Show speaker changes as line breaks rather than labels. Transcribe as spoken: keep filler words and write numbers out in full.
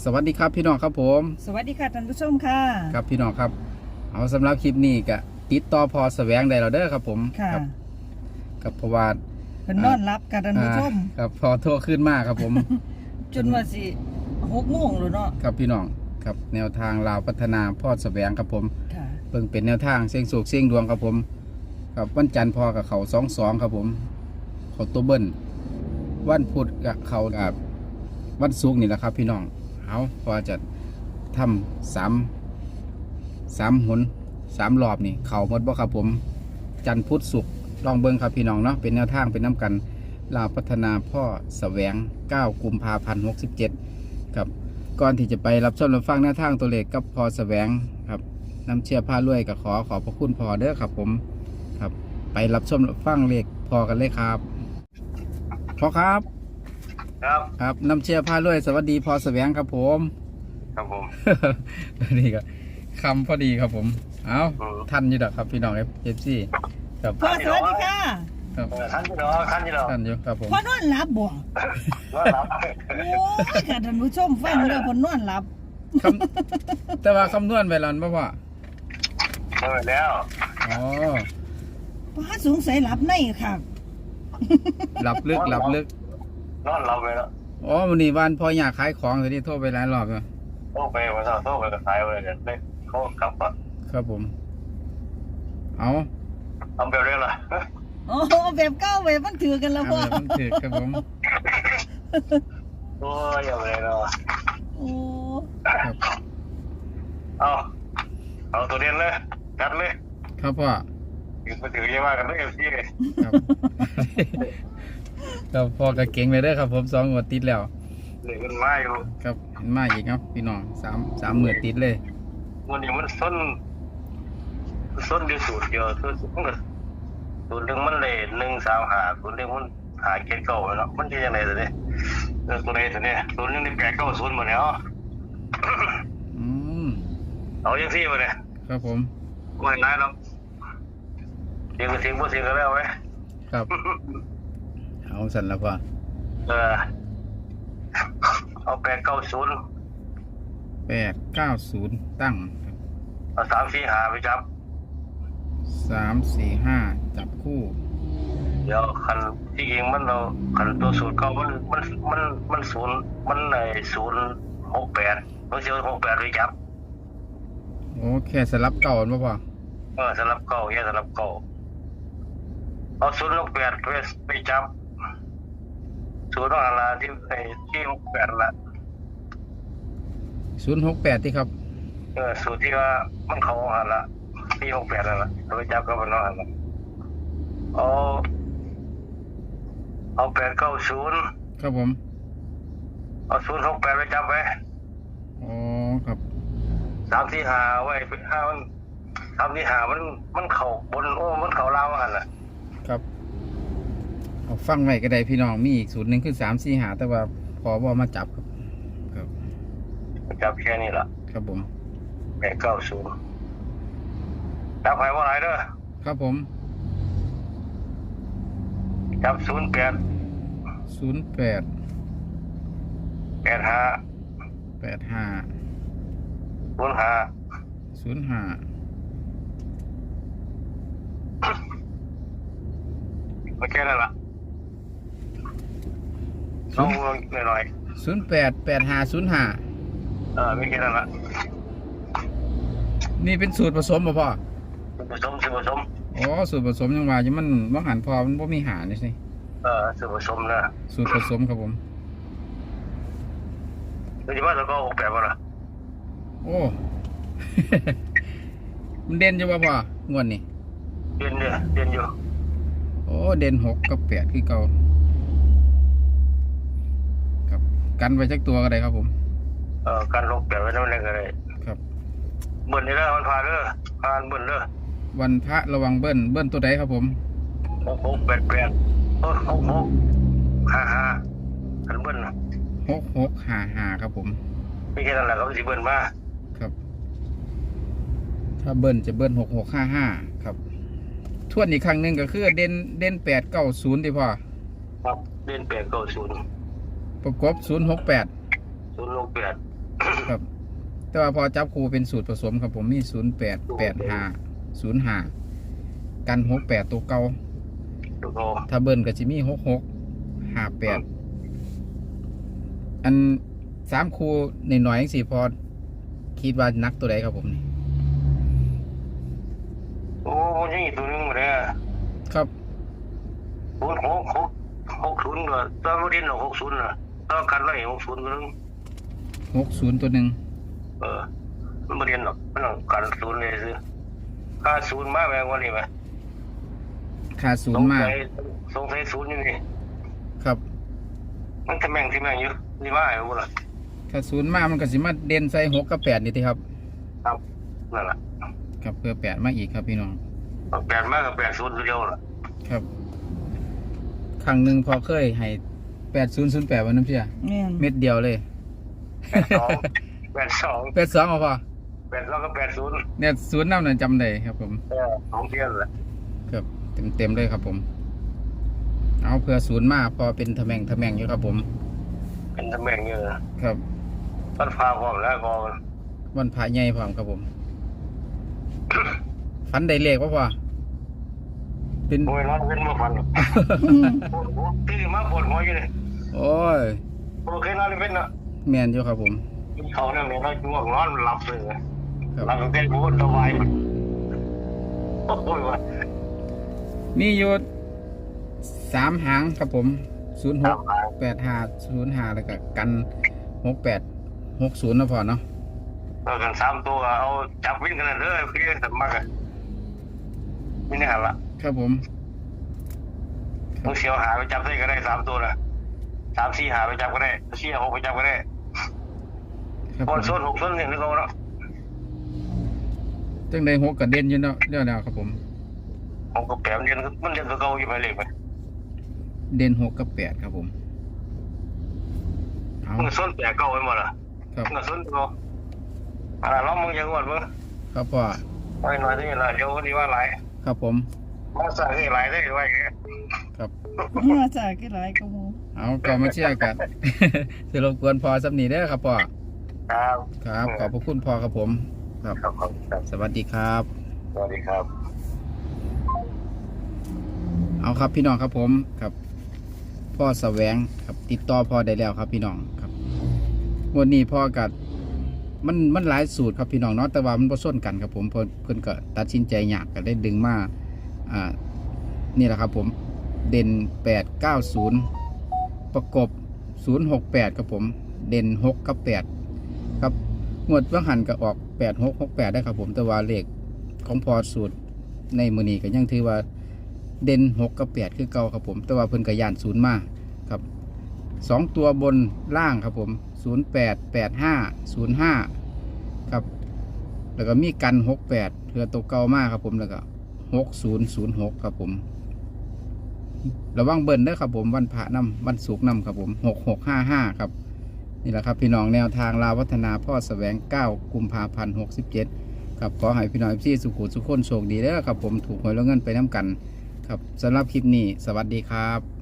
สวัสดีครับพี่น้องครับผม
สวัสดีค่ะท่านผู้ชมค่ะ
ครับพี่น้องครับเอาสำหรับคลิปนี้ก็ติดต่อพอแสวงได้แล้วเด้อครับผม
ค่ะ
กับเพราะว่า
เพิ่นนอนรับค่ะท่านผู้ชม
ครับพอโทรขึ้นมากครับผม
จนว่าสิหกโมงแล้วเนาะ
ครับพี่น้องครับแนวทางลาวพัฒนาพ่อแสวงครับผม
ค่ะ
เพิ่งเป็นแนวทางเสี่ยงโศกเสี่ยงดวงครับผมครับวันจันทร์พอกับเขาสองสองครับผมเขาตัวเบิ้ลวันพุธกับเขากับวันศุกร์นี่แหละครับพี่น้องเอาพอจะทำสามสามหนสามรอบนี่เขาหมดบ่ครับผมจันทร์พุธศุกร์ลองเบิ้งครับพี่น้องเนาะเป็นแนวทางเป็นน้ำกันลาวพัฒนาพ่อแสวงเก้ากุมภาพันธ์หกสิบเจ็ดครับก่อนที่จะไปรับชมรับฟังแนวทางตัวเลขกับพ่อแสวงครับน้ำเชื่อผ้ารวยกับขอขอบพระคุณพ่อเด้อครับผมครับไปรับชมรับฟังเลขพอกันเลยครับพ่อครับ
ครับ
ครับน้ำเชื่อผ้ารวยสวัสดีพ่อแสวงครับผม
ครับผม
นี่ก็คำพอดีครับผมเอาท่านอยู่ดอกครับพี่น้องเอฟซีครับ
พ่อสวัสดีค่ะ
ครับ
ท่านที่รอท่านที่รอ
ท่านอยู่ครับผม
พ่อนอนหลับบ่
นอนหลับ
โอ้ยค่ะท่านผู้ชมฟังเด้อเพิ่นนอนหลับ
คำแต่ว่าคำนวณไปแล้วบ่พ่อ
นอนแล้ว
อ๋อ
พ่อสงสัยหลับในค่ะ
หลับลึกหลับลึก
นอนหลับไปแล้ว
อ๋อวันนี้วันพออยากขายของทีนี้โทรไปหลายรอบแล้ว
โทรไปวันเสาร์โทรไปกับสายวันเดี๋ยวได้เขากลับอ่ะ
ครับผมเอา
เอาแบบเรื่องละ
โอ้แบบเก้าแบบมันถือกันแล้วพ่อ
มันถือครับผม
โอ้ยอย่าไปเลยเนาะ
โอ้
เอาเอาตัวเด่นเลยจัดเลย
ครับพ่อ
ถือไปถือเยอะมากกันด้วยเอฟซีเลย
ครับครับพ่อกระเก่งเลยเด้อครับผมสองงวดติดแล้ว
เหลือเงินมาอยู่
ครับเห็นมาอีกครับพี่น้องสามสามหมื่นติดเลย
วันนี้มันส้นส้นเดียวสูตรเดียวสูตรมันก็สูตรหนึ่งมันเลยหนึ่งสามหาสูตรหนึ่งมันหาเกณฑ์เก่าเนาะมันจะยังไงตัวนี้ตัวไหนตัวนี้สูตรหนึ่งนี่แปดเก้าศูนย์หมดแล้ว
อืม
เอาอย่างที่มาเลย
ครับผม
ไม่ได้หรอกเสียงก็เสียงพูดเสียงก็แล้วไหม
ครับเอาสั่นแล้วพ่อ
เออเอาแปดเก้าศูนย์
แปดเก้าศูนย์ตั้ง
เอาสามสี่หาไปจับ
สามสี่ห้าจับคู่
เดี๋ยวคันที่ยิงมันเราคันตัวศูนย์เก้ามันมันมันมันศูนย์มันในศูนย์หกแปดมันเสียหกแปดไปจับ
โอ้แค่สลับเก่าป่ะพ่อ
เออสลับเก่าแค่สลับเก่าเอาศูนย์หกแปดไปไปจับศูนย์อะไรที่ไอ้ที่หกแปดละ
ศูนย์หกแปดที่ครับ
เออสูตรที่ว่ามันเขาหันละที่หกแปดนั่นแหละโดยจับก็มันหันละเอาเอาแปดเก้าศูนย์
ครับผม
เอาศูนย์หกแปดไปจับไว้
อ๋อครับ
สามที่หาไว้ห้ามันสามที่หามันมันเข่าบนโอ้มันเข่าล่างหันละ
ครับเอาฟังไว้ก็ได้พี่น้องมีอีกสูตรหนึ่งคือสามสี่หาแต่ว่าพอว่ามาจับครับครับ
จับแค่นี้แหละ
ครับผม
แปดเก้าศูนย์จับไปว่าไรเด้อ
ครับผม
จับศูนย์แปด
ศูนย์แปด
แปดห้า
แปดห้า
ศูนย์ห้า
ศูนย์ห้า
ไม่แค่นั้นละต้องหน่อย
ๆศูนย์แปดแปดห้าศูนย์ห้า
เออไม่แค่นั้นละ
นี่เป็นสูตรผสมป่ะพ่อ
สูตรผสมสูตรผสม
อ๋อสูตรผสมยังว่าจะมันว่างหันพอมันบ่มีหานี่สิ
เออสูตรผสมนะ
สูตรผสมครับผม
คือที่ว่าเราก็หกแปดว่าล่ะ
โอ้มันเด่นอยู่ป่ะพ่องวดนี้
เด่นเนี่ยเด่นอยู่
โอ้เด่นหกกับแปดคือเก่าครับกันไว้จักตัวก็ได้ครับผม
เออการลงแปดไว้นั่นเองก็ได้
ครับ
เบิ้ลนี่แล้วมันพาเด้อพานเบิ้ลเด้อ
วันพระระวังเบิ้ลเบิ้ลตัวใดครับผม
หกหกแปดแปดเออหกหกห้าห้าคันเบิ้ล
หกหกห้าห้าครับผม
ไม่แค่นั้นแหละเขาสิเบิ้ลมา
ครับถ้าเบิ้ลจะเบิ้ลหกหกห้าห้าครับทวนอีกครั้งหนึ่งก็คือเด่นเด่นแปดเก้าศูนย์ดีพ่อ
ครับเด่นแปดเก้าศูนย์
ประกบศูนย์หกแปด
ศูนย์หกแปด
ครับ แต่ว่าพอจับครูเป็นสูตรผสมครับผมมีศูนย์แปดแปดห้าศูนย์ห้ากันหกแปดตัวเก่า
ถูกโต
ถ้าเบิ้ลก็จะมีหกหกห้าแปดอันสามครูในหน่อยๆสี่พอคิดว่านักตัวใดครับผมนี่
โอ้ยังอีกตัวนึงมาเลย
ครับ
ศูนย์หกหกหกศูนย์ด้วยตอนเรียนหกศูนย์นะตอนกันไว้หกศูนย์ตัวนึง
หกศูนย์ตัวหนึ่ง
เออมันไม่เรียนหรอกมันต้องการศูนย์เลยซื้อค่าศูนย์มาแพงกว่านี้ไหม
ขาดศู
ส
น
ง
ย์มาก
สัยสงสัยศูนย์อยู่นี่
ครับ
มันจะแม่งที่แม่งอยู่นี่ว่าไอ้พวกล่ะ
ขาดศูนย์มากมันก็สิมาเด่นใส่หกกับแปดนี่ทีครับ
ครับนั่นแหละ
ครับเพื่อแปดมาอีกครับพี่น้อง
แปดมากกับแปดศูนย์ตัวเดียวล่ะ
ครับครั้งหนึ่งพอเคยให้แปดศูนย์ศูนย์แปดวันน้ำเชื่อ
แม่น
เม็ดเดียวเลย
แปดสองแปดสอง
แปดสองเอาพอ
แปดสองกับแปดศูนย์
เนี่ยศูนย์น้ำนั่นจำได้ครับผม
เออสองเที่ยนแหละ
ครับเต็มเต็มๆเลยครับผม เอาเพื่อศูนย์มาพอเป็นทะแมงทะแมงอยู่ครับผม
เป็นตำแหน่งเยอะ
ครับ
มันพาความแล้วก็
วันพระใหญ่พร้อมครับผม ฟันได้เลขว่าพอเป็น
โวยร้อนเว้นมาฟัน
อืม
ปวดหัวตื่นมาปวดหัวอยู่เลย
โอ้ย
โอเคนอนเว้นนะ
แมนอยู่ครับผม
เขาเนี่ยเนี่ยเราง่วงนอนหลับเลย
ครับ
หลับตั้งแต่หัวสบายมันโอ้ยว่ะ
มีอยู่สามหางครับผมศูนย์ห
ตาก มหา
แปดห้าศูนย์ห้าแล้วก็กันหกแปดหกศูนย์นะพอเนาะ
เรากันสามตัวเอาจับวิ่งกันเลยคือสมัครไม่แน่ละ
ครับผม
มึงเสียวหาไปจับได้ก็ได้สามตัวนะสามสี่หาไปจับก็ได้สี่หกไปจับก็ได้
ครับ
บ
ผ
อล
ม
โซนหกโซนหนึ่งนี่เขาเนาะ
จังได้หกกับเด่นอยู่เนาะเดี๋ยวแล้วครับผม
ผมก็แปลมันเรียนมันเรียนตัวเก่าอยู่ไปเลยไป
เด่นหกกับแปดครับผมเอา
มึงโซนแปลเก่าไปหมดอ่ะ
ครับ
มึงโซนตัวอะไรล้อมมึงยังอวดมึง
ครับพ่อ
ไว้หน่อยที่นี่ละเดี๋ยวนี้ว่าหลาย
ครับผม
มาสั่งให้หลายได้ไว้อย่างเงี้ย
ครับ
มาจากกี่หลายก็หมู่
เอาก็มาเชื่อกัน จะรบกวนพอสักนิดเด้อครับพ่อ
ครับ
ครับขอบพระคุณพ่อครับผม ครับ
ครับครับ
สวัสดีครับ
สวัสดีครับ
เอาครับพี่น้องครับผมครับพ่อแสวงครับติดต่อพ่อได้แล้วครับพี่น้องครับวันนี้พ่อกัดมันมันหลายสูตรครับพี่น้องเนาะแต่ว่ามันผสมกันครับผมเพิ่นเพิ่นก็ตัดสินใจยากก็ได้ดึงมาอ่านี่แหละครับผมเด่นแปดเก้าศูนย์ประกบศูนย์หกแปดครับผมเด่นหกกับแปดครับงวดเบื้องหันก็ออกแปดหกหกแปดได้ครับผมแต่ว่าเลขของพอสูตรในมือนี้ก็ยังถือว่าเด่นหกกับแปดคือเก่าครับผมแต่ว่าเพิ่นก็ย่านศูนย์มาครับสองตัวบนล่างครับผมศูนย์แปดแปดห้าศูนย์ห้าครับแล้วก็มีกันหกแปดเพื่อตัวเก่ามากครับผมแล้วก็หกศูนย์ศูนย์หกครับผมระวังเบิ้ลเด้อครับผมวันพระนำวันศุกร์นำครับผมหกหกห้าห้าครับนี่แหละครับพี่น้องแนวทางลาวพัฒนาพ่อแสวงเก้ากุมภาพันธ์หกสิบเจ็ดครับขอให้พี่น้องพี่สุขุสุขคนโชคดีเด้อครับผมถูกหวยแล้วเงินไปน้ำกันครับสำหรับคลิปนี้สวัสดีครับ